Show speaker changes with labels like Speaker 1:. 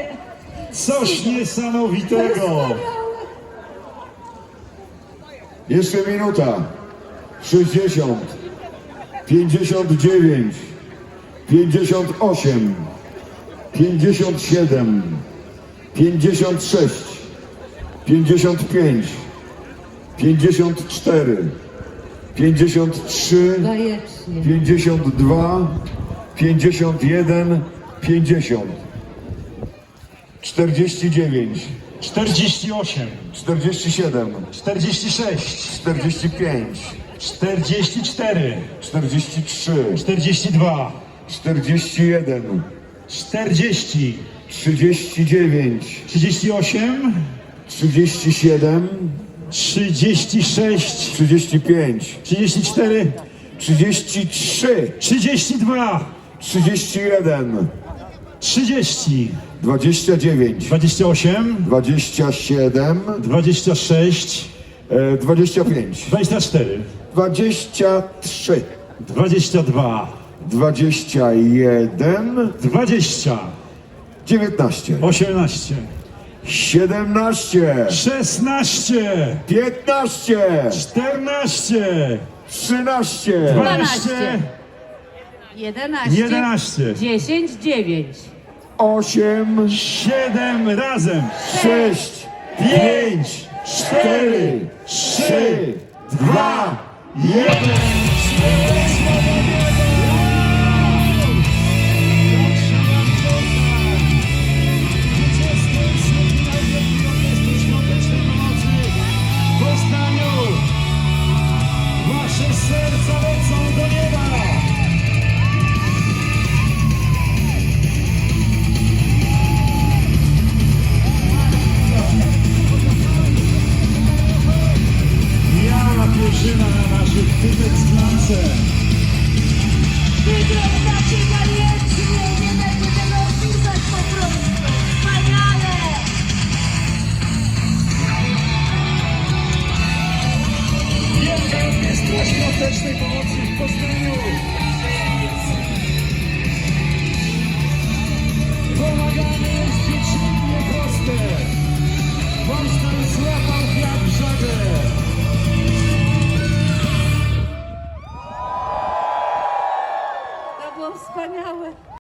Speaker 1: Coś niesamowitego.
Speaker 2: Jeszcze minuta. 60, 59, 58, 57, 56, 55, 54, 53,
Speaker 3: Bajecznie.
Speaker 2: 52, 51, 50, 49,
Speaker 1: 48,
Speaker 2: 47,
Speaker 1: 46,
Speaker 2: 45,
Speaker 1: 44,
Speaker 2: 43,
Speaker 1: 42,
Speaker 2: 41,
Speaker 1: 40,
Speaker 2: 39,
Speaker 1: 38,
Speaker 2: 37,
Speaker 1: 36,
Speaker 2: 35,
Speaker 1: 34,
Speaker 2: 33,
Speaker 1: 32,
Speaker 2: 31,
Speaker 1: 30,
Speaker 2: 29,
Speaker 1: 28,
Speaker 2: 27,
Speaker 1: 26,
Speaker 2: 25,
Speaker 1: 24,
Speaker 2: 23,
Speaker 1: 22,
Speaker 2: 21,
Speaker 1: 20,
Speaker 2: 19,
Speaker 1: 18,
Speaker 2: 17,
Speaker 1: 16,
Speaker 2: 15,
Speaker 1: 14,
Speaker 2: 13,
Speaker 1: 12,
Speaker 3: 11,
Speaker 1: 11,
Speaker 3: 10, 9.
Speaker 2: 8,
Speaker 1: 7 razem,
Speaker 2: 6,
Speaker 1: 5, 4, 3, 2, 1. Wasze serca lecą do nieba. Ja pierzyna na naszych typek z klance.
Speaker 4: Wyglądacie bajecznie, nie będę tego opisać po prostu. Wspaniale!
Speaker 1: Wielka Orkiestra Świątecznej Pomocy w Poznaniu. Pomagamy jest dziecinnie proste. Polska już złapał wiatr w żagle.
Speaker 3: To było wspaniałe.